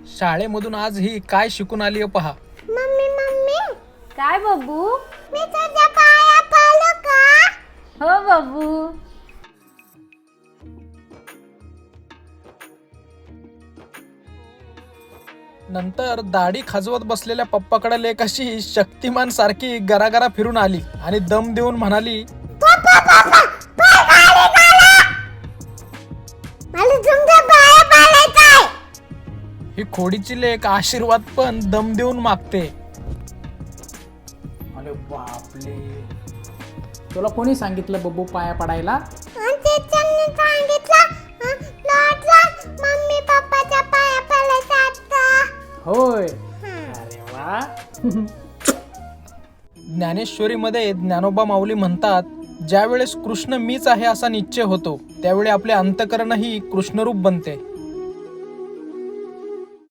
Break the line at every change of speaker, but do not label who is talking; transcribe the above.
शाळेमधून आज ही काय शिकून आली पहा.
मम्मी मम्मी
काय बाबू?
मी तुझ्या पाया पडलो का?
हो बाबू.
नंतर दाढी खाजवत बसलेल्या पप्पाकडे लेक अशी शक्तिमान सारखी गरागरा फिरून आली आणि दम देऊन म्हणाली,
पप्पा पप्पा पाय काढा. मला तुमच्या पाया पडायचंय.
ही खोडीची लेक आशीर्वाद पण दम देऊन मागते.
अरे बापले, तुला कोणी सांगितलं बब्बू पाया पडायला?
आणि टीचरने सांगितलं लॉटला मम्मी पप्पाच्या पाया पडायचं आता.
होय. अरे वा.
ज्ञानेश्वरीमध्ये ज्ञानोबा माऊली म्हणतात, ज्यावेळेस कृष्ण मीच आहे असा निश्चय होतो त्यावेळी आपले अंतःकरणही कृष्णरूप बनते.